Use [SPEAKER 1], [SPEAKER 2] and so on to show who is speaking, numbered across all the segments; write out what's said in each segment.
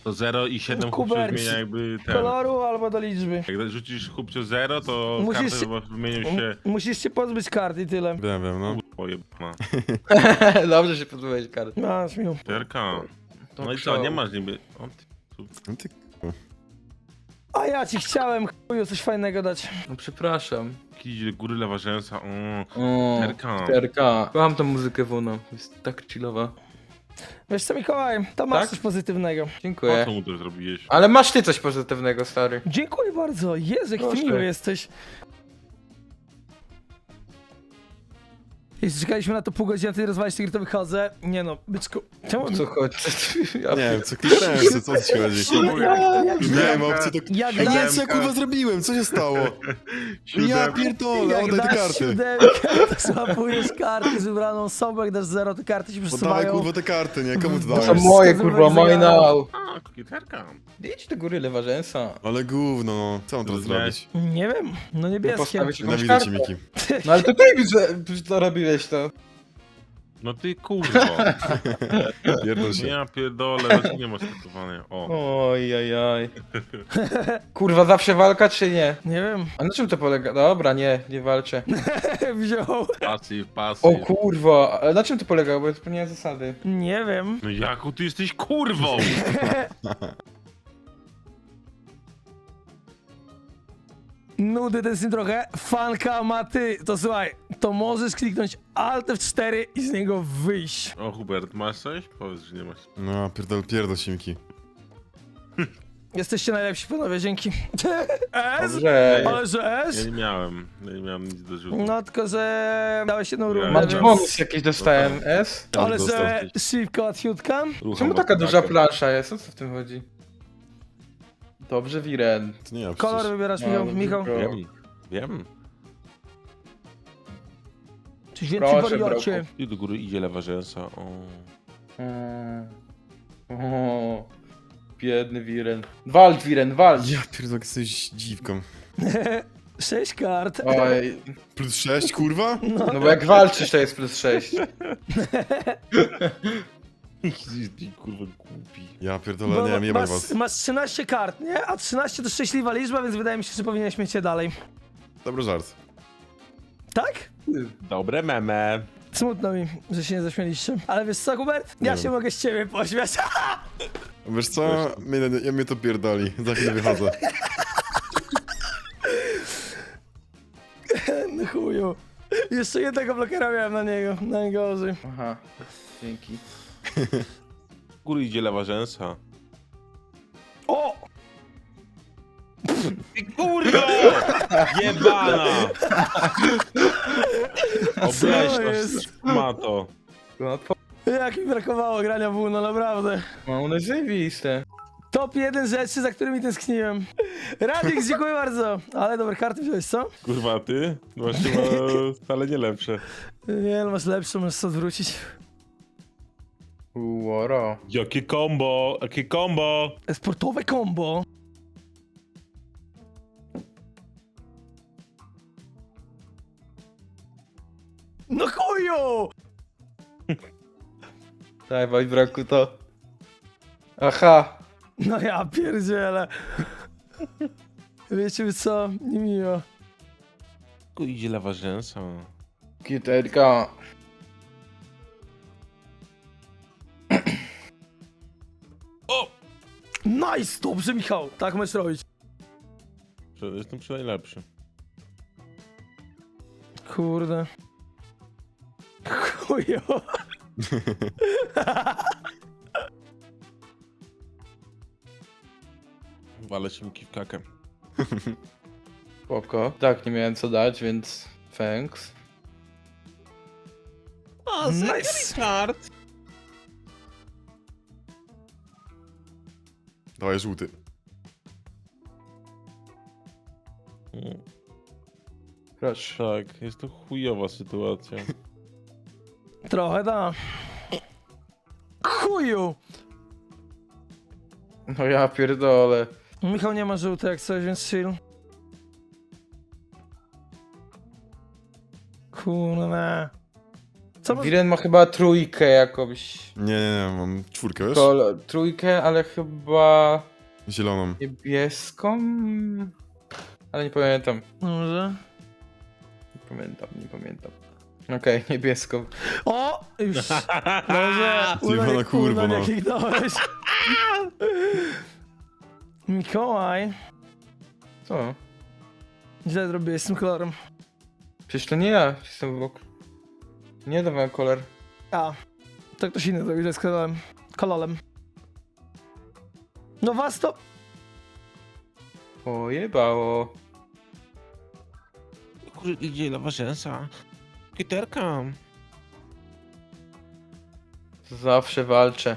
[SPEAKER 1] To 0 i 7
[SPEAKER 2] Kubek,
[SPEAKER 1] chłopców zmienia jakby ten.
[SPEAKER 2] Koloru albo do liczby.
[SPEAKER 1] Jak rzucisz chłopcio 0, to
[SPEAKER 2] Musisz
[SPEAKER 1] karty
[SPEAKER 2] się-
[SPEAKER 1] chyba wymienią się...
[SPEAKER 2] Musisz się pozbyć kart i tyle.
[SPEAKER 3] Wiem, no.
[SPEAKER 1] Pojebana.
[SPEAKER 4] Dobrze się pozbyłeś kart.
[SPEAKER 2] Masz mił.
[SPEAKER 1] Terka.
[SPEAKER 4] To
[SPEAKER 1] No i co,
[SPEAKER 4] przełom.
[SPEAKER 1] nie masz niby... O, ty...
[SPEAKER 3] No ty...
[SPEAKER 2] A ja ci chciałem chuju coś fajnego dać.
[SPEAKER 4] No przepraszam.
[SPEAKER 1] Jakiś góry lewa rzęsa,
[SPEAKER 4] O,
[SPEAKER 1] Terka.
[SPEAKER 4] Terka. Kocham tą muzykę Wuno. Jest tak chillowa.
[SPEAKER 2] Wiesz co, Mikołaj, tam masz
[SPEAKER 4] Tak?
[SPEAKER 2] coś pozytywnego.
[SPEAKER 1] Po
[SPEAKER 4] Dziękuję.
[SPEAKER 1] co mu to zrobiłeś?
[SPEAKER 4] Ale masz ty coś pozytywnego, stary.
[SPEAKER 2] Dziękuję bardzo. Jezu, jak ty
[SPEAKER 4] Proszę.
[SPEAKER 2] miły jesteś. Jeśli czekaliśmy na to pół godziny, a ty rozwalisz tygier, to wychodzę. Nie no, byczku. Czemu?
[SPEAKER 4] Co chodzi? Ja
[SPEAKER 3] Nie wiem, co kliknąłem, co ci chodzi? Miałem opcję, to...
[SPEAKER 2] Jak
[SPEAKER 3] Ej, nie,
[SPEAKER 2] na
[SPEAKER 3] co ja kurwa zrobiłem? Co się stało? Ja
[SPEAKER 1] Siódemka.
[SPEAKER 3] pierdolę,
[SPEAKER 2] jak
[SPEAKER 3] oddaj te
[SPEAKER 2] dasz
[SPEAKER 3] karty.
[SPEAKER 2] siódemkę, to złapujesz karty z wybraną osobą, jak dasz 0, to karty ci
[SPEAKER 3] Oddawaj
[SPEAKER 2] przesuwają.
[SPEAKER 3] kurwa te karty, nie? Komu to
[SPEAKER 4] To są
[SPEAKER 3] dałeś?
[SPEAKER 4] moje, kurwa, mine now.
[SPEAKER 1] A, kokieterka.
[SPEAKER 4] Idź do góry, lewa rzęsa.
[SPEAKER 3] Ale gówno, no. Co mam teraz zrobić?
[SPEAKER 2] Nie wiem, no niebieskie.
[SPEAKER 4] Postawić jakąś
[SPEAKER 3] Nienawidzę cię,
[SPEAKER 4] kartę.
[SPEAKER 3] Miki.
[SPEAKER 4] No ale to ty zarobiłeś to.
[SPEAKER 1] No ty kurwo.
[SPEAKER 3] Pierdol się.
[SPEAKER 1] Ja pierdolę, dlaczego nie masz tatuowania? O.
[SPEAKER 4] Oj. Kurwa, zawsze walka czy nie?
[SPEAKER 2] Nie wiem.
[SPEAKER 4] A na czym to polega? Dobra, nie walczę.
[SPEAKER 2] Wziął.
[SPEAKER 1] Pasyw,
[SPEAKER 4] O
[SPEAKER 1] pasyw.
[SPEAKER 4] kurwa, ale na czym to polega? Bo ja zapomniałem zasady.
[SPEAKER 2] Nie wiem.
[SPEAKER 1] No Jaku, ty jesteś kurwą!
[SPEAKER 2] Nudy ten syn trochę. Fanka ma ty. To słuchaj, to możesz kliknąć Alt F4 i z niego wyjść.
[SPEAKER 1] O Hubert, masz coś? Powiedz, że nie masz.
[SPEAKER 3] No, pierdol się, Miki.
[SPEAKER 2] Jesteście najlepsi panowie, dzięki. S?
[SPEAKER 4] Dobrze.
[SPEAKER 2] Ale że
[SPEAKER 1] Ja
[SPEAKER 2] S?
[SPEAKER 1] nie miałem nic do rzutu.
[SPEAKER 2] No tylko, że dałeś jedną rundę,
[SPEAKER 1] Mam
[SPEAKER 4] Mam
[SPEAKER 2] więc...
[SPEAKER 4] bonus jakiś dostałem, S?
[SPEAKER 2] Ale
[SPEAKER 3] Dostał
[SPEAKER 2] że
[SPEAKER 3] gdzieś.
[SPEAKER 2] szybko łatwiutka.
[SPEAKER 1] Rucham
[SPEAKER 4] Czemu taka
[SPEAKER 1] od
[SPEAKER 4] duża
[SPEAKER 1] taką.
[SPEAKER 4] plansza jest? O co w tym chodzi? Dobrze, Wiren.
[SPEAKER 3] To nie ja
[SPEAKER 2] Kolor
[SPEAKER 3] przecież.
[SPEAKER 2] wybierasz,
[SPEAKER 4] No,
[SPEAKER 2] Michał.
[SPEAKER 4] dobrze,
[SPEAKER 2] Michał.
[SPEAKER 4] bro.
[SPEAKER 1] Wiem.
[SPEAKER 2] Czy więcej
[SPEAKER 4] Proszę,
[SPEAKER 2] wariocie?
[SPEAKER 1] I do góry idzie lewa rzęsa. O.
[SPEAKER 4] O, biedny Wiren. Walcz, Wiren, walcz!
[SPEAKER 3] Ja pierdolę, jesteś dziwką.
[SPEAKER 2] 6 kart.
[SPEAKER 4] Oj,
[SPEAKER 3] Plus 6, kurwa?
[SPEAKER 4] no bo jak walczysz to jest plus 6.
[SPEAKER 1] Ty kurwa głupi.
[SPEAKER 3] Ja pierdolę, nie wiem, jebaj was.
[SPEAKER 2] masz 13 kart, nie? A 13 to szczęśliwa liczba, więc wydaje mi się, że powinieneś mieć je dalej.
[SPEAKER 3] Dobry żart.
[SPEAKER 2] Tak?
[SPEAKER 1] Dobre meme.
[SPEAKER 2] Smutno mi, że się nie zaśmieliście. Ale wiesz co, Hubert? Ja
[SPEAKER 3] Nie
[SPEAKER 2] się
[SPEAKER 3] wiem.
[SPEAKER 2] mogę z ciebie pośmiać.
[SPEAKER 3] Wiesz co? Mnie to pierdoli. Za chwilę wychodzę.
[SPEAKER 2] No chuju. Jeszcze jednego blokera miałem na niego. Najgorzej.
[SPEAKER 4] Aha, dzięki.
[SPEAKER 1] Do góry idzie lewa rzęsa.
[SPEAKER 2] O!
[SPEAKER 1] Ty kurwa! Jebana! Obleśna
[SPEAKER 2] jest?
[SPEAKER 1] ma to.
[SPEAKER 4] No to
[SPEAKER 2] Jak mi brakowało grania w Uno, naprawdę.
[SPEAKER 4] no, one zajebiste.
[SPEAKER 2] Top 1 rzeczy, za którymi tęskniłem. Radix, dziękuję bardzo. Ale dobre karty wziąłeś, co?
[SPEAKER 1] Kurwa ty? Masz chyba wcale nie lepsze.
[SPEAKER 2] Nie, no masz lepsze, możesz sobie odwrócić.
[SPEAKER 4] Uoro.
[SPEAKER 1] Jakie combo! Jakie combo!
[SPEAKER 2] Sportowe combo. No chuju!
[SPEAKER 4] Daj, Wojbraku to. Aha.
[SPEAKER 2] No ja pierdzielę. Wiecie co? Niemiło.
[SPEAKER 1] Tu idzie lewa rzęsa.
[SPEAKER 4] Kiterka.
[SPEAKER 1] O!
[SPEAKER 2] Nice! Dobrze, Michał. Tak możesz robić.
[SPEAKER 1] Jestem przy najlepszy.
[SPEAKER 2] Kurde. Chuju.
[SPEAKER 1] Walę się w kakę.
[SPEAKER 4] Spoko. Tak, nie miałem co dać, więc thanks.
[SPEAKER 1] O,
[SPEAKER 2] Nice.
[SPEAKER 1] kart!
[SPEAKER 3] Dawaj żółty.
[SPEAKER 4] Proszę.
[SPEAKER 1] Tak, jest to chujowa sytuacja.
[SPEAKER 2] Trochę da. Chuju!
[SPEAKER 4] No ja pierdolę.
[SPEAKER 2] Michał nie ma żółty jak coś, więc chill. Kurna. Co ma...
[SPEAKER 4] Wiren ma chyba trójkę jakąś.
[SPEAKER 3] Nie, mam czwórkę, wiesz?
[SPEAKER 4] Trójkę, ale chyba
[SPEAKER 3] Zieloną.
[SPEAKER 4] niebieską? Ale nie pamiętam.
[SPEAKER 2] Może?
[SPEAKER 4] Nie pamiętam. Okej, niebieską.
[SPEAKER 2] O! Już. Może.
[SPEAKER 3] Zjebana kurwa, no.
[SPEAKER 2] Jak dałeś. Mikołaj.
[SPEAKER 4] Co?
[SPEAKER 2] Źle zrobiłeś z tym kolorem.
[SPEAKER 4] Przecież to nie ja jestem obok. Nie dawałem kolor.
[SPEAKER 2] A. To ktoś inny zrobił źle z kolorem. Kolorem. No was to...
[SPEAKER 4] Pojebało.
[SPEAKER 1] Kurde, gdzie lawa rzęsa? Kiterka.
[SPEAKER 4] Zawsze walczę.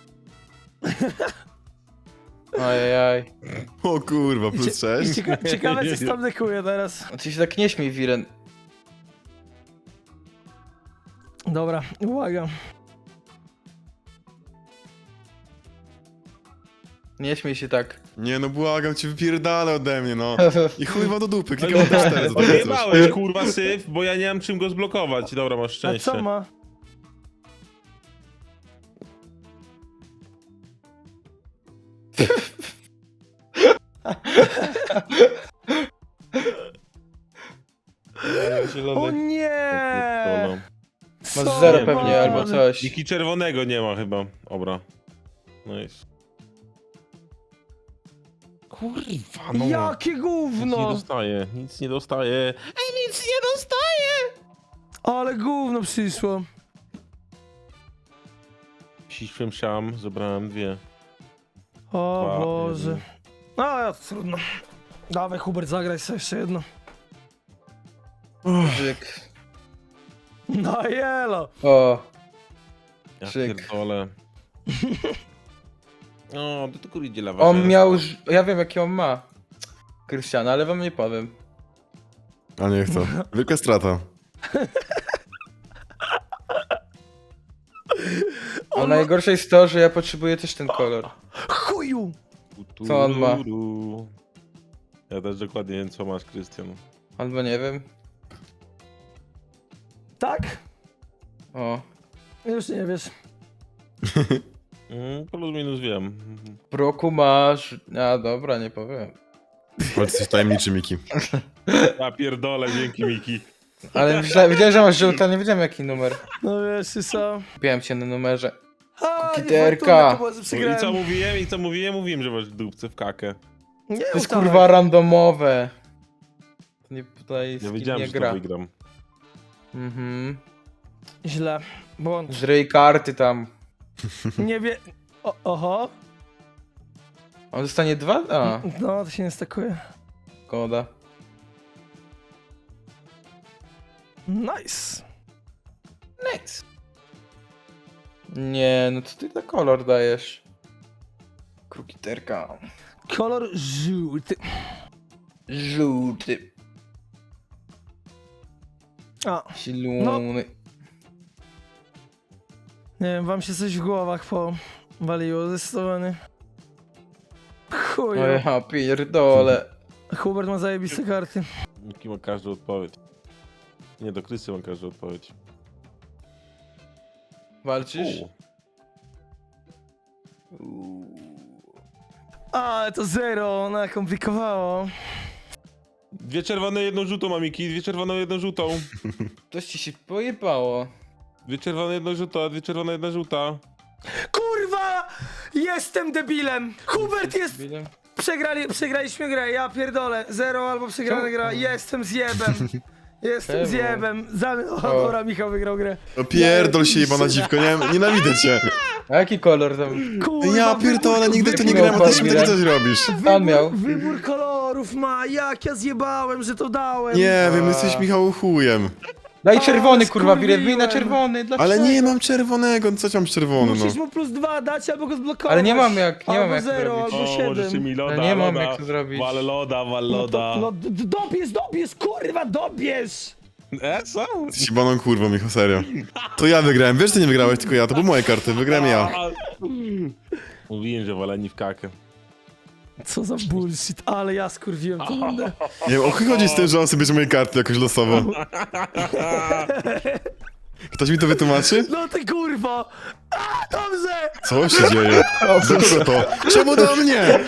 [SPEAKER 4] Ajajaj.
[SPEAKER 3] O kurwa, plus 6.
[SPEAKER 2] Ciekawe, co tam dekuje teraz.
[SPEAKER 4] A ty się tak nie śmiej, Wiren.
[SPEAKER 2] Dobra, uwaga.
[SPEAKER 4] Nie śmiej się tak.
[SPEAKER 3] Nie no, błagam cię, wypierdalę ode mnie, no. I chuj wam do dupy, klikam na 4 za takie coś.
[SPEAKER 1] Odjebałeś, kurwa, syf, bo ja nie mam czym go zblokować. Dobra, masz
[SPEAKER 2] A
[SPEAKER 1] szczęście.
[SPEAKER 2] co ma? O
[SPEAKER 4] Zielony.
[SPEAKER 2] nie!
[SPEAKER 4] Masz
[SPEAKER 2] Co
[SPEAKER 4] zero
[SPEAKER 1] Nie,
[SPEAKER 4] pewnie
[SPEAKER 2] ma?
[SPEAKER 4] albo coś.
[SPEAKER 1] Niki czerwonego nie ma chyba. Dobra. Nice. Kurwa, no.
[SPEAKER 2] Jakie
[SPEAKER 1] Nic nie
[SPEAKER 2] gówno!
[SPEAKER 1] dostaję, nic nie dostaję. Ej, nic nie dostaję!
[SPEAKER 2] Ale gówno przyszło.
[SPEAKER 1] Ścisłem siam, zebrałem 2.
[SPEAKER 2] O
[SPEAKER 1] Dwa,
[SPEAKER 2] Boże.
[SPEAKER 1] jeden.
[SPEAKER 2] No, ja to trudno. Dawaj, Hubert, zagraj sobie jeszcze jedno.
[SPEAKER 4] Żyk.
[SPEAKER 2] No jelo!
[SPEAKER 4] O,
[SPEAKER 1] Ja
[SPEAKER 4] Krzyk.
[SPEAKER 1] pierdolę. O, to tylko idzie lawa.
[SPEAKER 4] on
[SPEAKER 1] rzęsa.
[SPEAKER 4] miał... Ja wiem jaki on ma. Krystiana, ale wam nie powiem.
[SPEAKER 3] A nie chcę. Wielka strata.
[SPEAKER 4] A najgorsze jest to, że ja potrzebuję też ten kolor.
[SPEAKER 2] Chuju!
[SPEAKER 4] Co on ma?
[SPEAKER 1] Ja też dokładnie wiem, co masz, Krystian.
[SPEAKER 4] Albo nie wiem.
[SPEAKER 2] Tak?
[SPEAKER 4] O.
[SPEAKER 2] Już nie wiesz.
[SPEAKER 1] Plus minus wiem.
[SPEAKER 4] W roku masz... A dobra, nie powiem.
[SPEAKER 3] Ale jesteś tajemniczy, Miki.
[SPEAKER 1] Ja pierdolę, dzięki Miki.
[SPEAKER 4] Ale wiedziałem, że masz żółta, nie wiedziałem jaki numer.
[SPEAKER 2] No wiesz, czy co?
[SPEAKER 4] Kupiłem cię na numerze.
[SPEAKER 2] A,
[SPEAKER 4] Kukiterka.
[SPEAKER 2] niefortunne to było, że
[SPEAKER 1] I co
[SPEAKER 2] przegrałem.
[SPEAKER 1] mówiłem? Mówiłem, że masz dupce w kakę.
[SPEAKER 2] Nie,
[SPEAKER 4] To jest
[SPEAKER 2] tak.
[SPEAKER 4] kurwa randomowe. To nie, tutaj
[SPEAKER 1] Ja
[SPEAKER 4] skill
[SPEAKER 1] wiedziałem,
[SPEAKER 4] nie
[SPEAKER 1] że to
[SPEAKER 4] gra.
[SPEAKER 1] wygram.
[SPEAKER 4] Mhm.
[SPEAKER 2] Źle. Błąd.
[SPEAKER 4] Żryj karty tam.
[SPEAKER 2] Nie wie... Oho.
[SPEAKER 4] On dostanie 2? A,
[SPEAKER 2] No, to się nie stakuje.
[SPEAKER 4] szkoda.
[SPEAKER 2] Nice.
[SPEAKER 4] Nice. Nie, no co ty za kolor dajesz? Krukiterka.
[SPEAKER 2] Kolor żółty.
[SPEAKER 4] Żółty.
[SPEAKER 2] A,
[SPEAKER 4] Zielony.
[SPEAKER 2] nie wiem, wam się coś w głowach powaliło zdecydowanie. Chuju.
[SPEAKER 4] O ja pierdolę.
[SPEAKER 2] Hubert ma zajebiste karty.
[SPEAKER 1] Miki ma każdą odpowiedź. Nie, do Krysy ma każdą odpowiedź.
[SPEAKER 4] Walczysz?
[SPEAKER 2] Ale to zero, nakomplikowało.
[SPEAKER 1] 2 czerwone, 1 żółtą ma Miki, 2 czerwone, 1 żółtą.
[SPEAKER 4] Coś ci się pojebało.
[SPEAKER 1] 2 czerwone, 1 żółta, 2 czerwone, 1 żółta.
[SPEAKER 2] Kurwa! Jestem debilem! Hubert jest... Przegraliśmy grę, ja pierdolę. Zero albo przegrana gra, jestem zjebem. Jestem
[SPEAKER 4] Czemu?
[SPEAKER 2] zjebem. Dobra, Michał wygrał grę.
[SPEAKER 3] No pierdol się, jebana dziwko, nienawidzę cię.
[SPEAKER 4] A jaki kolor tam?
[SPEAKER 2] Kurwa,
[SPEAKER 3] Ja pierdolę, nigdy w to nie
[SPEAKER 4] wybór-
[SPEAKER 3] grałem, a ty się
[SPEAKER 4] wybór-
[SPEAKER 3] takie coś robisz.
[SPEAKER 4] Pan miał.
[SPEAKER 2] Wybór kolorów ma, jak ja zjebałem, że to dałem.
[SPEAKER 3] Nie wiem, jesteś Michał chujem.
[SPEAKER 4] Daj
[SPEAKER 2] A,
[SPEAKER 4] czerwony kurwa, Wiren, bij na
[SPEAKER 2] skurwiłem.
[SPEAKER 4] czerwony, dlaczego?
[SPEAKER 3] Ale nie mam czerwonego, no co ci mam czerwony, no.
[SPEAKER 2] Musisz mu +2 dać albo go zblokować.
[SPEAKER 4] Ale nie mam jak
[SPEAKER 2] albo
[SPEAKER 4] to
[SPEAKER 2] 0,
[SPEAKER 4] zrobić.
[SPEAKER 2] albo
[SPEAKER 1] O, możecie
[SPEAKER 2] 7.
[SPEAKER 1] mi loda,
[SPEAKER 4] Ja nie mam
[SPEAKER 1] loda.
[SPEAKER 4] jak to zrobić.
[SPEAKER 1] Wal loda, wal
[SPEAKER 2] No,
[SPEAKER 1] loda.
[SPEAKER 2] to, no dobierz, kurwa, dobierz!
[SPEAKER 1] Co?
[SPEAKER 3] Jesteś jebaną kurwą, Michał, serio. To ja wygrałem, wiesz, że nie wygrałeś, tylko ja, to były moje karty, wygrałem ja.
[SPEAKER 1] Mówiłem, że waleni w kakę.
[SPEAKER 2] Co za bullshit, ale ja skurwiłem tę rundę.
[SPEAKER 3] Nie wiem, o chuj chodzi z tym, że on sobie bierze moje karty jakoś losowo. Ktoś mi to wytłumaczy?
[SPEAKER 2] No ty kurwo! A, dobrze!
[SPEAKER 3] Co się dzieje? Do kogo to? Czemu do mnie?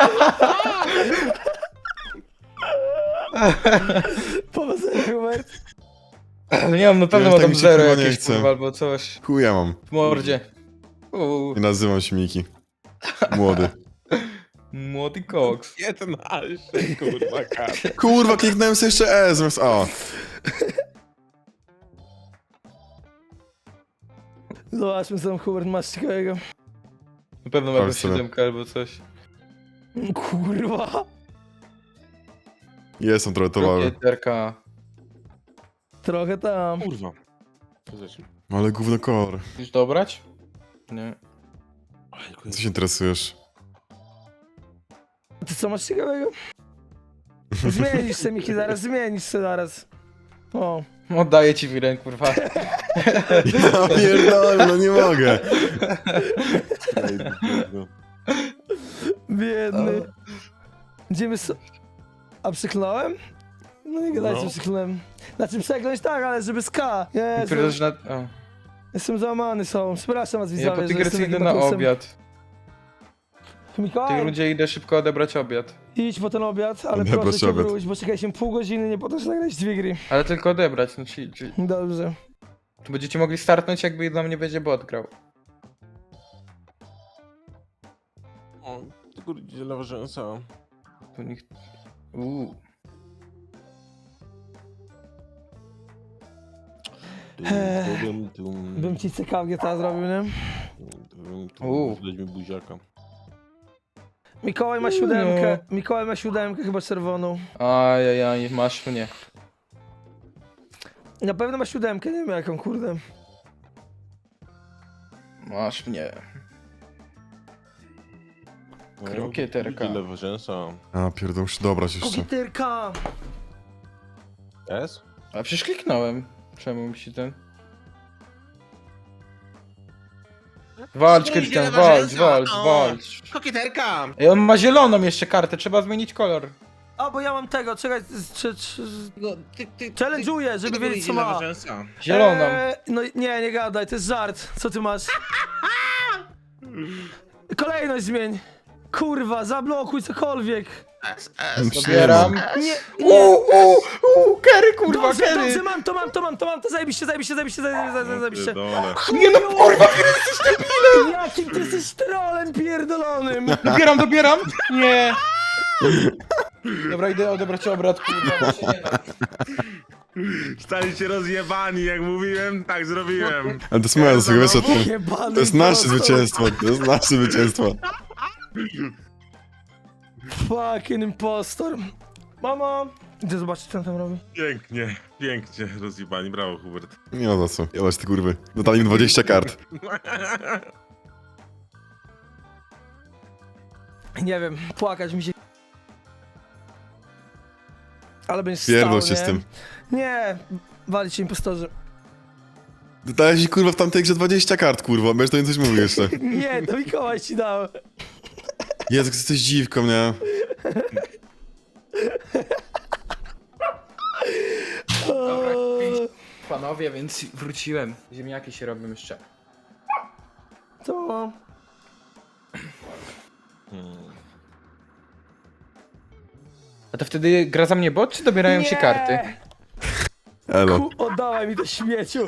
[SPEAKER 2] Powodzenia, Hubert.
[SPEAKER 4] Nie mam, na pewno
[SPEAKER 3] Ja
[SPEAKER 4] ma
[SPEAKER 3] tak
[SPEAKER 4] tam
[SPEAKER 3] mi się
[SPEAKER 4] zero
[SPEAKER 3] kurwa nie
[SPEAKER 4] jakieś,
[SPEAKER 3] chce.
[SPEAKER 4] kurwa, albo coś.
[SPEAKER 3] Chuja mam.
[SPEAKER 4] W mordzie.
[SPEAKER 3] I nazywam się Miki. Młody.
[SPEAKER 4] Młody koks.
[SPEAKER 1] 11, kurwa, kart.
[SPEAKER 3] Kurwa, kliknąłem sobie jeszcze E zamiast A.
[SPEAKER 2] Zobaczmy, co tam Hubert masz ciekawego.
[SPEAKER 4] Na pewno ma
[SPEAKER 3] Chodź
[SPEAKER 4] jakąś
[SPEAKER 3] sobie.
[SPEAKER 4] 7 albo coś.
[SPEAKER 2] Kurwa.
[SPEAKER 3] Jestem trochę towaru.
[SPEAKER 4] Rokieterka.
[SPEAKER 2] Trochę tam.
[SPEAKER 1] Kurwa. Co zacznie?
[SPEAKER 3] Ale gówno kolor.
[SPEAKER 4] Chcesz dobrać? Nie.
[SPEAKER 3] Co się interesujesz?
[SPEAKER 2] Ty co masz ciekawego? Zmienisz się, Miki, zaraz zmienisz się, zaraz. O.
[SPEAKER 4] Oddaję ci wiren, kurwa.
[SPEAKER 3] Ja pierdolę, no nie mogę.
[SPEAKER 2] Biedny. Idziemy A przyklnąłem? No nie gadajcie,
[SPEAKER 1] No.
[SPEAKER 2] przyklnąłem. Znaczy przekląć tak, ale żeby z K. Jezu,
[SPEAKER 4] Pierdolisz na... O.
[SPEAKER 2] jestem załamany są. Przepraszam was
[SPEAKER 4] Ja
[SPEAKER 2] widzowie,
[SPEAKER 4] po
[SPEAKER 2] że
[SPEAKER 4] tygrycy
[SPEAKER 2] jestem
[SPEAKER 4] idę
[SPEAKER 2] takim
[SPEAKER 4] na
[SPEAKER 2] bakusem.
[SPEAKER 4] obiad. W tej
[SPEAKER 2] Mikołaj,
[SPEAKER 4] rundzie idę szybko odebrać obiad.
[SPEAKER 2] idź po ten obiad, ale
[SPEAKER 3] Odebrać
[SPEAKER 2] proszę cię
[SPEAKER 3] obiad.
[SPEAKER 2] wróć, bo czekaliśmy pół godziny, nie po to, że nagrać dwie gry.
[SPEAKER 4] Ale tylko odebrać, no czyli
[SPEAKER 2] Dobrze.
[SPEAKER 4] to będziecie mogli startnąć, jakby dla mnie będzie bot grał.
[SPEAKER 1] O, ty kurde, lewa rzęsa.
[SPEAKER 4] Tu nikt...
[SPEAKER 2] Bym ci CKG ta zrobił, nie?
[SPEAKER 1] Dać mi buziaka.
[SPEAKER 2] Mikołaj ma siódemkę. Mikołaj ma siódemkę, chyba czerwoną.
[SPEAKER 4] Ajajaj, masz mnie.
[SPEAKER 2] Na pewno ma siódemkę, nie wiem jaką, kurde.
[SPEAKER 4] Masz mnie. Krokieterka.
[SPEAKER 1] Lewa rzęsa.
[SPEAKER 3] A pierdol, muszę dobrać jeszcze.
[SPEAKER 2] Kokieterka!
[SPEAKER 1] S?
[SPEAKER 4] A przecież kliknąłem. Czemu mi się ten... Walcz, Krystian, walcz.
[SPEAKER 1] Kokieterka!
[SPEAKER 4] Ej, on ma zieloną jeszcze kartę, trzeba zmienić kolor.
[SPEAKER 2] A, bo ja mam tego, czekaj, challenge'uję, żeby wiedzieć co ma.
[SPEAKER 4] Zieloną.
[SPEAKER 2] No nie gadaj, to jest żart. Co ty masz? Kolejność zmień. Kurwa, zablokuj cokolwiek.
[SPEAKER 4] Zabieram.
[SPEAKER 2] Nie,
[SPEAKER 4] Kerry, kurwa,
[SPEAKER 2] dobrze,
[SPEAKER 4] Kerry.
[SPEAKER 2] dobrze, mam to, zajebiście.
[SPEAKER 4] Nie no, kurwa,
[SPEAKER 2] Jakim ty jesteś trolem pierdolonym.
[SPEAKER 4] dobieram. Nie. Dobra, idę odebrać obrad, kurwa, bo się nie da.
[SPEAKER 1] Staliście rozjebani, jak mówiłem, tak zrobiłem.
[SPEAKER 3] Ale to jest moja zasługa, wiesz o tym.
[SPEAKER 2] Jebany
[SPEAKER 3] To jest nasze
[SPEAKER 2] impostor.
[SPEAKER 3] zwycięstwo, to jest nasze zwycięstwo.
[SPEAKER 2] Fucking impostor. Mamo! Idę zobaczyć, co on tam robi.
[SPEAKER 1] Pięknie, pięknie rozjebani, brawo Hubert.
[SPEAKER 3] Nie ma za co, jadać te kurwy. Dodali mi 20 kart.
[SPEAKER 2] Nie wiem, płakać mi się... Ale będziesz
[SPEAKER 3] Pierdol
[SPEAKER 2] stał,
[SPEAKER 3] się
[SPEAKER 2] nie?
[SPEAKER 3] z tym.
[SPEAKER 2] Nie, walić się impostorzy.
[SPEAKER 3] Dodałeś mi kurwa w tamtej grze 20 kart, kurwa, będziesz to nie coś mówił jeszcze.
[SPEAKER 2] Nie, to Mikołaj ci dał.
[SPEAKER 3] Jezu, jesteś dziwką, nie?
[SPEAKER 4] Dobra, panowie, więc wróciłem. Ziemniaki się robią jeszcze.
[SPEAKER 2] Co?
[SPEAKER 4] A to wtedy gra za mnie bot, czy dobierają się karty?
[SPEAKER 3] Elo.
[SPEAKER 2] Oddawaj mi to śmieciu.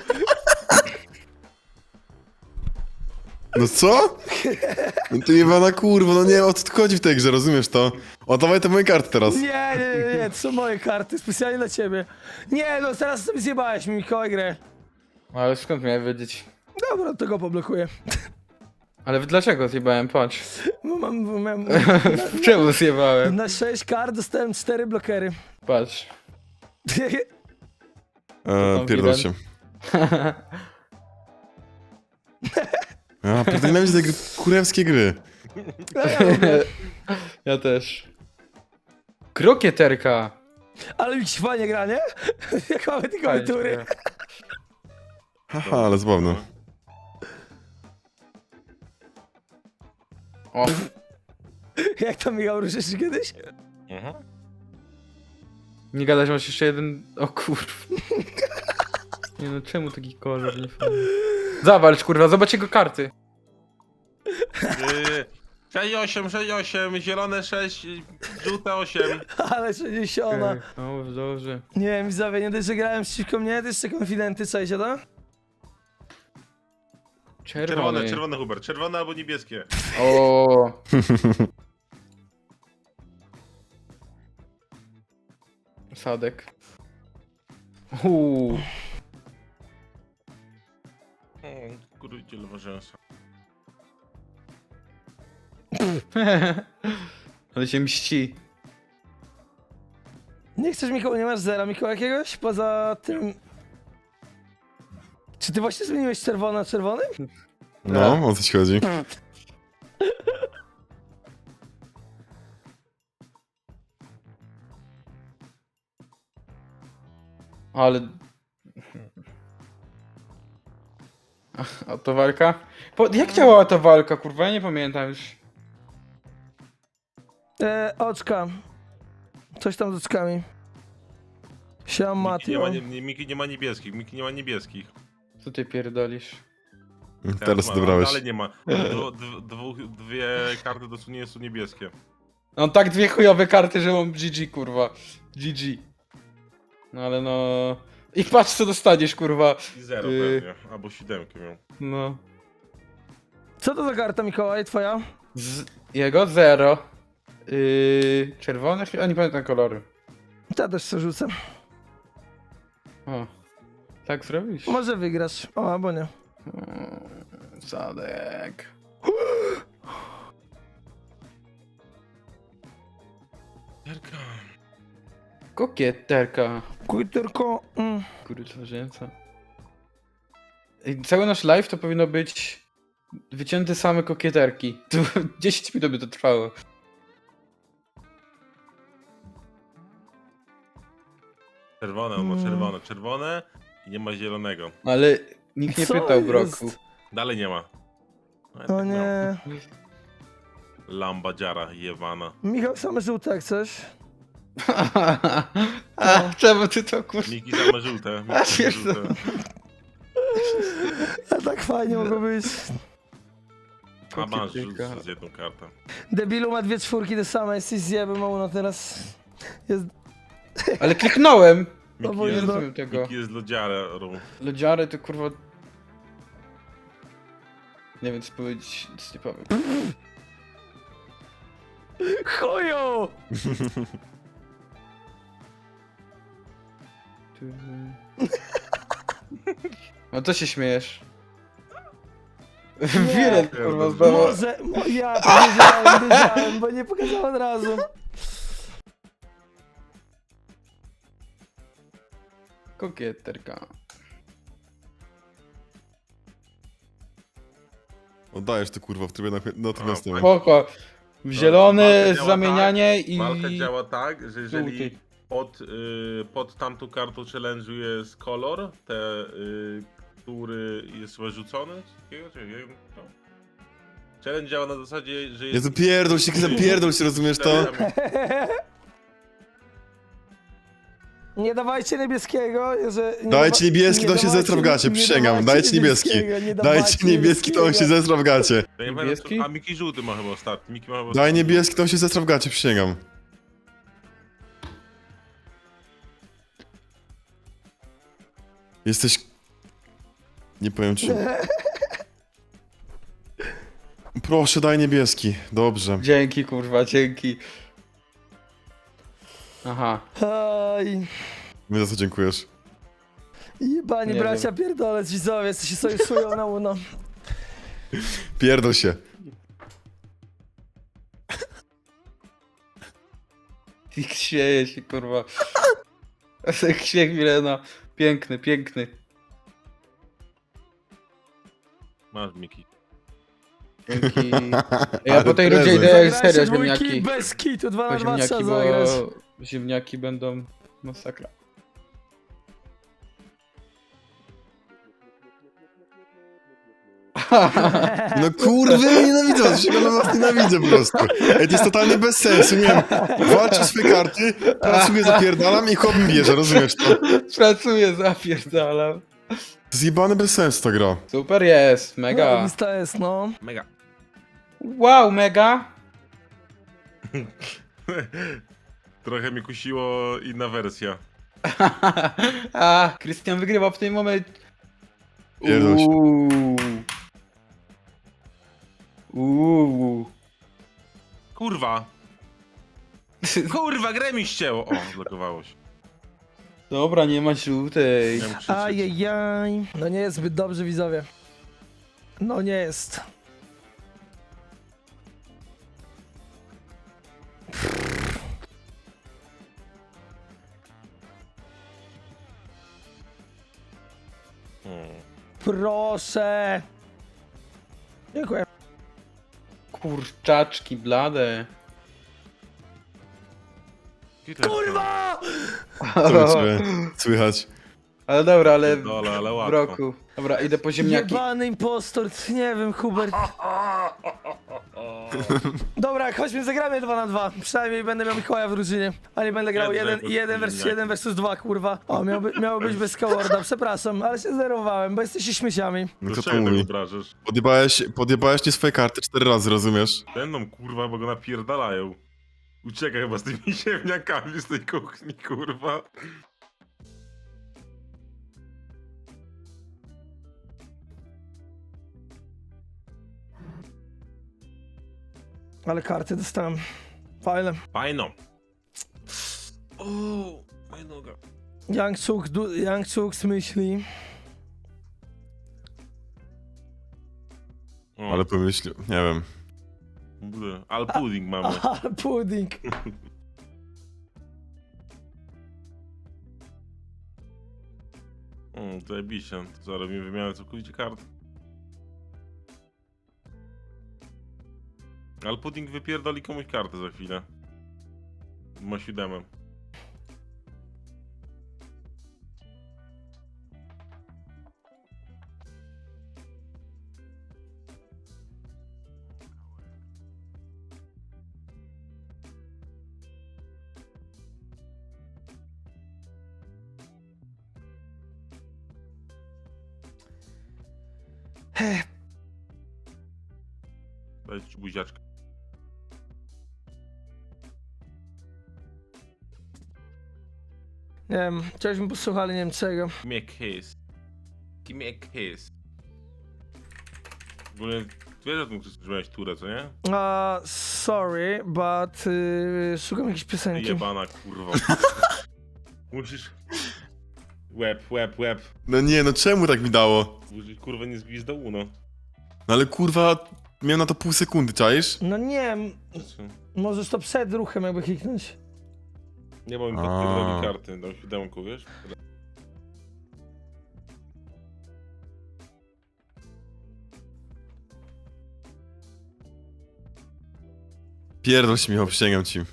[SPEAKER 3] No co? No ty jebana kurwa, no nie wiem o co tu chodzi w tej grze, rozumiesz to? Oddawaj te moje karty teraz.
[SPEAKER 2] Nie, to są moje karty, specjalnie dla ciebie. Nie, no teraz sobie zjebałeś mi Mikołaj grę.
[SPEAKER 4] Ale skąd miałem wiedzieć?
[SPEAKER 2] Dobra, to go poblokuję.
[SPEAKER 4] Ale dlaczego zjebałem? Patrz.
[SPEAKER 2] Bo mam
[SPEAKER 4] Czemu zjebałem?
[SPEAKER 2] na 6 kart dostałem 4 blokery.
[SPEAKER 4] Patrz.
[SPEAKER 3] Pierdol się. Ja pierdol, nienawidzę tej gry, kurewskie gry.
[SPEAKER 4] Ja też. Krokieterka.
[SPEAKER 2] Ale mi się fajnie gra, nie? Jak mamy te klawiatury.
[SPEAKER 3] Haha, ale zabawne.
[SPEAKER 4] O,
[SPEAKER 2] Jak tam Michał ruszysz kiedyś?
[SPEAKER 4] nie gadać, masz jeszcze jeden... O kurw. Nie no, czemu taki kolor nie fajny? Zawalcz, kurwa, zobacz jego karty.
[SPEAKER 1] 6-8, 6-8, zielone 6, żółte 8.
[SPEAKER 2] Ale 60.
[SPEAKER 4] O, dobrze.
[SPEAKER 2] Nie wiem, widzowie, nie dość, że grałem przeciwko mnie, to jeszcze konfidenty, czajcie to?
[SPEAKER 1] Czerwone, czerwone Hubert, czerwone albo niebieskie.
[SPEAKER 4] O. Sadek.
[SPEAKER 1] Kurujcie lewa rzęsa.
[SPEAKER 4] Ale się mści.
[SPEAKER 2] Nie chcesz, Mikołaj, nie masz zera, Mikołaj, jakiegoś? Poza tym... Czy ty właśnie zmieniłeś czerwone na czerwony?
[SPEAKER 3] No, o co ci chodzi?
[SPEAKER 4] Ale... A to walka? Jak działała ta walka, kurwa? Ja nie pamiętam już.
[SPEAKER 2] Oczka. Coś tam z oczkami. Siema,
[SPEAKER 1] Miki nie, ma,
[SPEAKER 2] Matio.
[SPEAKER 1] Miki nie ma niebieskich, Miki nie ma niebieskich.
[SPEAKER 4] Co ty pierdolisz?
[SPEAKER 3] Teraz
[SPEAKER 1] ma,
[SPEAKER 3] dobrałeś.
[SPEAKER 1] ale nie ma. Dwie karty dosłownie są niebieskie.
[SPEAKER 4] Mam tak dwie chujowe karty, że mam GG, kurwa. GG. No ale no... I patrz co dostaniesz, kurwa.
[SPEAKER 1] I 0 pewnie, albo 7 miał.
[SPEAKER 4] No.
[SPEAKER 2] Co to za karta, Mikołaj, twoja?
[SPEAKER 4] Jego 0. Czerwone? A nie pamiętam kolory.
[SPEAKER 2] Ja też co rzucę.
[SPEAKER 4] O. Tak zrobisz?
[SPEAKER 2] Może wygrasz. O, albo nie.
[SPEAKER 4] Sadek.
[SPEAKER 1] Jarka.
[SPEAKER 4] Kokieterka.
[SPEAKER 2] Kujturko.
[SPEAKER 4] Kurwa rzęca. Cały nasz live to powinno być wycięte same kokieterki. 10 minut by to trwało.
[SPEAKER 1] Czerwone, on ma czerwone, czerwone i nie ma zielonego.
[SPEAKER 4] Ale nikt nie
[SPEAKER 2] Co
[SPEAKER 4] pytał,
[SPEAKER 2] jest?
[SPEAKER 4] Broku.
[SPEAKER 1] Dalej nie ma. No,
[SPEAKER 2] O
[SPEAKER 1] tak
[SPEAKER 2] nie.
[SPEAKER 1] miał. Lamba dziara, jewana.
[SPEAKER 2] Michał, same żółte jak coś.
[SPEAKER 4] A czemu ty to kurwa?
[SPEAKER 1] Miki same żółte. Miki same żółte.
[SPEAKER 2] A tak fajnie mogło być.
[SPEAKER 1] A masz
[SPEAKER 4] Kokieterka.
[SPEAKER 1] z jedną kartę.
[SPEAKER 2] Debilu ma 2 czwórki te same, jesteś zjebem, no teraz. Jest...
[SPEAKER 4] Ale kliknąłem!
[SPEAKER 1] Miki
[SPEAKER 2] bo
[SPEAKER 4] Nie
[SPEAKER 1] jest,
[SPEAKER 2] jest-
[SPEAKER 4] rozumiem tego.
[SPEAKER 1] Miki jest lodziarą.
[SPEAKER 4] Lodziary to kurwa... Nie wiem co powiedzieć, nic nie powiem.
[SPEAKER 2] Chuju!
[SPEAKER 4] No to się śmiejesz. Wiele kurwa zdało.
[SPEAKER 2] Może... Ja wiedziałem, bo nie pokazałem od razu.
[SPEAKER 4] Kokieterka.
[SPEAKER 3] Oddajesz to kurwa w trybie natychmiastowym.
[SPEAKER 4] Spoko. Zielony,
[SPEAKER 1] Walka działa
[SPEAKER 4] zamienianie
[SPEAKER 1] tak,
[SPEAKER 4] i...
[SPEAKER 1] Walka działa tak, że jeżeli
[SPEAKER 4] żółty.
[SPEAKER 1] pod tamtą kartą challenge'u jest kolor, który jest wyrzucony, coś takiego, czy nie wiem, to. Challenge działa na zasadzie, że jest...
[SPEAKER 3] Jezu, pierdol się, rozumiesz to?
[SPEAKER 2] Nie dawajcie niebieskiego, że... nie
[SPEAKER 3] Dajcie niebieski, to on się
[SPEAKER 2] dawajcie-
[SPEAKER 3] zesra w gacie,
[SPEAKER 2] nie
[SPEAKER 3] przysięgam.
[SPEAKER 2] dawajcie
[SPEAKER 3] Dajcie niebieski.
[SPEAKER 2] niebieskiego, nie
[SPEAKER 3] Dajcie
[SPEAKER 2] dawajcie
[SPEAKER 3] niebieski, to on się zesra w gacie.
[SPEAKER 1] Ja nie pamiętam,
[SPEAKER 4] Niebieski?
[SPEAKER 1] A Miki żółty ma chyba ostatni. Miki ma chyba
[SPEAKER 3] Daj
[SPEAKER 1] ostatni.
[SPEAKER 3] niebieski, to on się zesra w gacie, przysięgam. Jesteś... Nie powiem ci. Proszę, daj niebieski. Dobrze.
[SPEAKER 4] Dzięki kurwa, dzięki. Aha.
[SPEAKER 2] Aj,
[SPEAKER 3] My za co dziękujesz?
[SPEAKER 2] jebani
[SPEAKER 4] Nie
[SPEAKER 2] bracia pierdolec, widzowie, co się sojuszują na uno.
[SPEAKER 3] Pierdol się.
[SPEAKER 4] I śmieje się kurwa. Śmiech Milena. Piękny, piękny.
[SPEAKER 1] Masz Miki.
[SPEAKER 4] Dzięki. Ja
[SPEAKER 3] Ale
[SPEAKER 4] po tej rundzie
[SPEAKER 3] prezent.
[SPEAKER 4] idę
[SPEAKER 2] Zagrajcie
[SPEAKER 4] serio
[SPEAKER 2] dwójki
[SPEAKER 4] ziemniaki.
[SPEAKER 2] bez kitu, 2
[SPEAKER 4] Po
[SPEAKER 2] na 2 trzeba
[SPEAKER 4] ziemniaki,
[SPEAKER 2] zagrać.
[SPEAKER 4] bo ziemniaki będą masakra.
[SPEAKER 3] No kurwy, nienawidzę was, się was nienawidzę po prostu. Ej, to jest totalnie bez sensu, nie wiem. Walczę swoje karty, pracuję, zapierdalam i chłop mi bierze, rozumiesz to?
[SPEAKER 4] Pracuję, zapierdalam.
[SPEAKER 3] Zjebany bez sensu ta gra.
[SPEAKER 4] Super jest, mega.
[SPEAKER 2] To jest, no.
[SPEAKER 1] Mega.
[SPEAKER 4] Wow, mega.
[SPEAKER 1] Trochę mi kusiło inna wersja.
[SPEAKER 4] A, Krystian wygrywa w tym momencie.
[SPEAKER 3] Pierdol się.
[SPEAKER 4] Uuu.
[SPEAKER 1] Kurwa! Kurwa, grę mi ścięło! O, zblokowało się.
[SPEAKER 4] Dobra, nie ma żółtej.
[SPEAKER 1] Miałem krzyczeć.
[SPEAKER 2] Ajajaj. No nie jest zbyt dobrze, widzowie. No nie jest. Proszę. Dziękuję.
[SPEAKER 4] Kurczaczki blade.
[SPEAKER 1] Hitler,
[SPEAKER 2] Kurwa!
[SPEAKER 3] Co u ciebie słychać?
[SPEAKER 4] Ale dobra, ale
[SPEAKER 1] Dole, ale
[SPEAKER 4] w
[SPEAKER 1] łatwo.
[SPEAKER 4] roku. Dobra, idę po ziemniaki.
[SPEAKER 2] Jebany impostor, nie wiem, Hubert. Dobra, chodźmy, zagramy 2 na 2. Przynajmniej będę miał Mikołaja w drużynie. A nie będę grał
[SPEAKER 1] Jednego
[SPEAKER 2] 1 versus 2, kurwa. O, miało być bez Cowarda, przepraszam, ale się zerowałem, bo jesteście śmieciami.
[SPEAKER 3] No
[SPEAKER 1] Do
[SPEAKER 3] kto to
[SPEAKER 1] czego tak
[SPEAKER 3] mówi?
[SPEAKER 1] obrażasz?
[SPEAKER 3] Podjebałeś nie swoje karty 4 razy, rozumiesz?
[SPEAKER 1] Będą kurwa, bo go napierdalają. Uciekaj chyba z tymi ziemniakami z tej kuchni, kurwa.
[SPEAKER 2] Ale karty dostałem. Fajne.
[SPEAKER 1] Fajno. Uuu, moja noga.
[SPEAKER 2] Young Chuks myśli.
[SPEAKER 1] O,
[SPEAKER 3] Ale pomyśl, nie wiem.
[SPEAKER 1] ale pudding mamy.
[SPEAKER 2] Aha, pudding.
[SPEAKER 1] Zajebiście. To zaraz mi wymianę całkowicie kart. Ale pudding wypierdoli komuś kartę za chwilę. Ma 7. Daj ci buziaczkę.
[SPEAKER 2] Nie wiem, chciałbyśmy posłuchali, nie wiem czego.
[SPEAKER 1] Give me a kiss. Give me a kiss. W ogóle wiesz o tym, że miałeś turę, co nie?
[SPEAKER 2] Sorry, but szukam jakiejś piosenki.
[SPEAKER 1] Jebana kurwa. Musisz... Łeb.
[SPEAKER 3] No nie, no czemu tak mi dało?
[SPEAKER 1] Musisz kurwa nie zbić do uno.
[SPEAKER 3] No ale kurwa, miałem na to pół sekundy, czaisz?
[SPEAKER 2] No nie, możesz to przed ruchem jakby kliknąć.
[SPEAKER 1] Nie mam
[SPEAKER 3] A.
[SPEAKER 1] podpierdoli karty, dam 7, wiesz?
[SPEAKER 3] Pierdol się, Michał, przysięgam ci.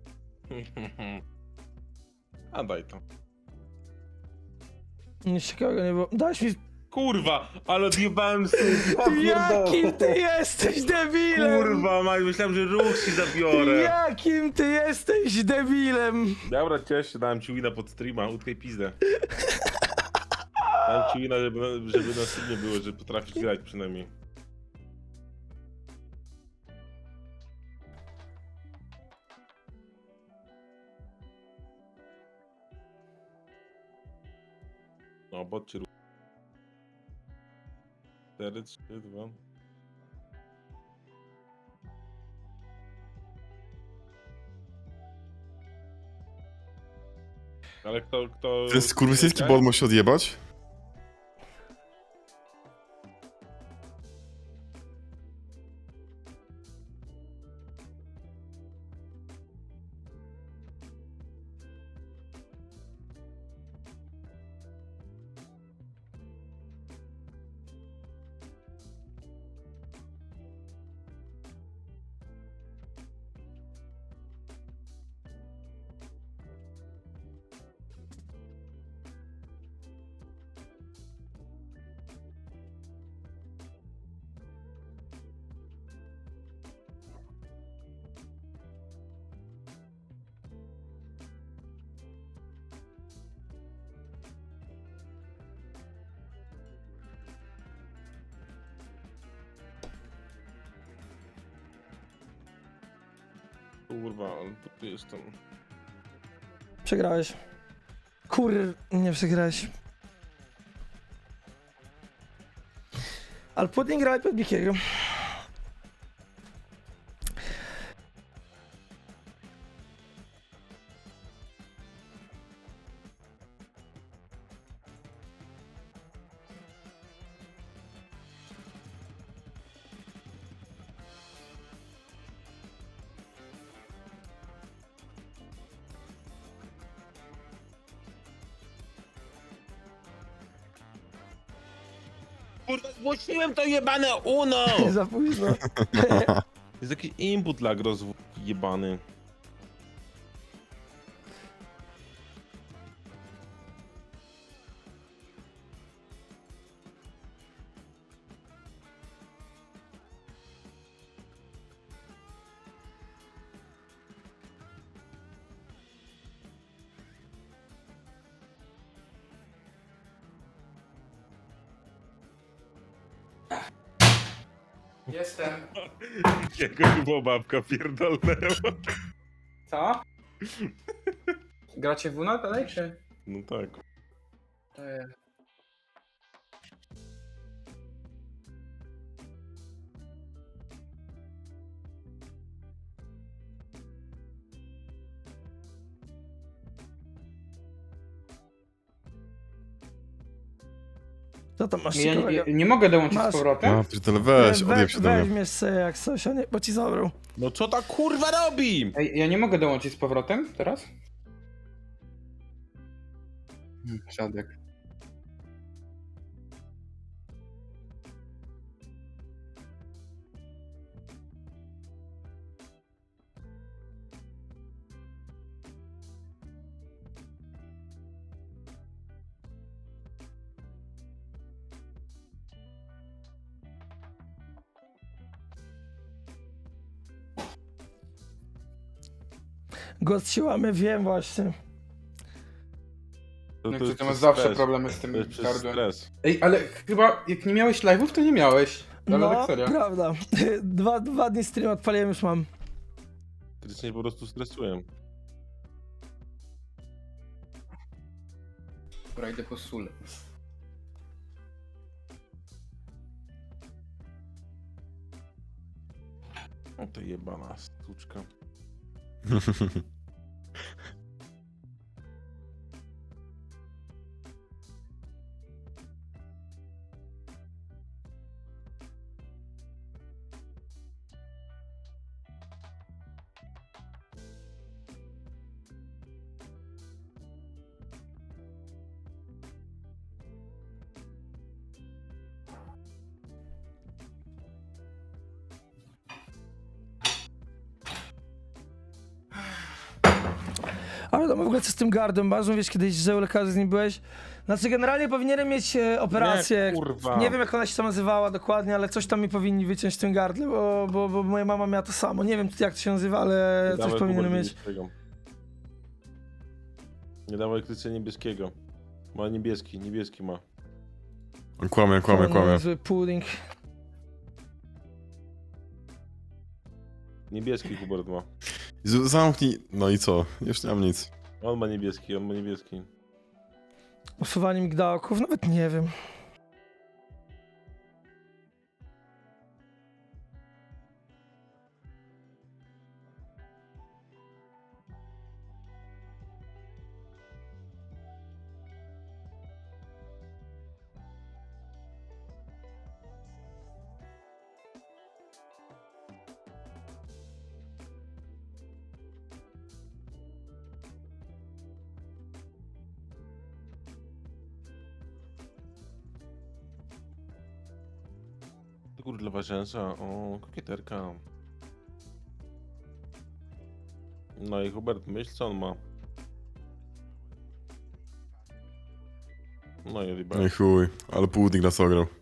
[SPEAKER 1] A daj to.
[SPEAKER 2] Nic ciekawego nie było. Dałeś mi...
[SPEAKER 1] Kurwa, ale odjebałem sobie, ja pierdolę.
[SPEAKER 2] Jakim ty jesteś debilem!
[SPEAKER 1] Kurwa, Maj, myślałem, że ruch ci zabiorę.
[SPEAKER 2] Jakim ty jesteś debilem!
[SPEAKER 1] Dobra, cieszę się, dałem ci wina pod streama, utkaj pizdę. Dałem ci wina, żeby na streamie było, że potrafisz grać przynajmniej. No, bot cię 4, 3, 2. Ale kto...
[SPEAKER 3] Ten skurwysyjski bot musi odjebać?
[SPEAKER 1] Kurwa, ale tu jestem.
[SPEAKER 2] Przegrałeś. Nie przegrałeś. Ale Pudding grał pod Bikiego.
[SPEAKER 1] Kurwa, zgłosiłem to jebane UNO!
[SPEAKER 2] Za późno.
[SPEAKER 1] Jest jakiś input lag jebany.
[SPEAKER 4] Jestem.
[SPEAKER 1] Jakiego babka pierdolnęła.
[SPEAKER 4] Co? Gracie w UNO dalej, czy?
[SPEAKER 1] No tak.
[SPEAKER 4] To jest.
[SPEAKER 2] Co tam masz
[SPEAKER 4] Ja
[SPEAKER 2] ciekawego?
[SPEAKER 4] nie mogę dołączyć
[SPEAKER 2] Masz.
[SPEAKER 4] z powrotem?
[SPEAKER 3] A, pierdolę, weź, odjeb się do mnie.
[SPEAKER 2] Weźmiesz sobie jak coś, a nie, bo ci zabrał.
[SPEAKER 1] No co ta kurwa robi?
[SPEAKER 4] Ej, ja nie mogę dołączyć z powrotem teraz? Siadek.
[SPEAKER 2] Ghost się łamie, wiem właśnie.
[SPEAKER 1] To,
[SPEAKER 4] No
[SPEAKER 1] to
[SPEAKER 4] ty
[SPEAKER 1] jest
[SPEAKER 4] masz
[SPEAKER 1] przez
[SPEAKER 4] zawsze
[SPEAKER 1] stres.
[SPEAKER 4] problemy z
[SPEAKER 1] To
[SPEAKER 4] tym
[SPEAKER 1] jest przez
[SPEAKER 4] gardłem.
[SPEAKER 1] stres.
[SPEAKER 4] Ej, ale chyba jak nie miałeś live'ów, to nie miałeś. Ale
[SPEAKER 2] No,
[SPEAKER 4] tak serio.
[SPEAKER 2] prawda. Dwa dni stream odpaliłem, już mam.
[SPEAKER 1] Krytycznie po prostu stresuję.
[SPEAKER 4] Dobra, idę po sól.
[SPEAKER 1] O to jebana stuczka.
[SPEAKER 2] Ale w ogóle co z tym gardłem? Masz, wiesz, kiedyś, że u lekarza z nim byłeś? Znaczy, generalnie powinienem mieć operację.
[SPEAKER 1] Nie, kurwa.
[SPEAKER 2] Nie wiem, jak ona się tam nazywała dokładnie, ale coś tam mi powinni wyciąć w tym gardle, bo moja mama miała to samo. Nie wiem, jak to się nazywa, ale coś
[SPEAKER 1] Dawaj
[SPEAKER 2] powinienem
[SPEAKER 1] Hubert
[SPEAKER 2] mieć.
[SPEAKER 1] niebieskiego. Nie dawaj krytycznie niebieskiego. Ma niebieski ma.
[SPEAKER 3] On kłamie, kłamie, kłamie.
[SPEAKER 2] Zły pudding.
[SPEAKER 1] Niebieski Hubert ma.
[SPEAKER 3] Zamknij, no i co? Już nie mam nic.
[SPEAKER 1] On ma niebieski, on ma niebieski.
[SPEAKER 2] Usuwanie migdałków, nawet nie wiem.
[SPEAKER 1] To kurde dla ważęsa. O, kokieterka. No i Hubert, myśl co on ma. No i
[SPEAKER 3] No i chuj, ale pudding nas ograł.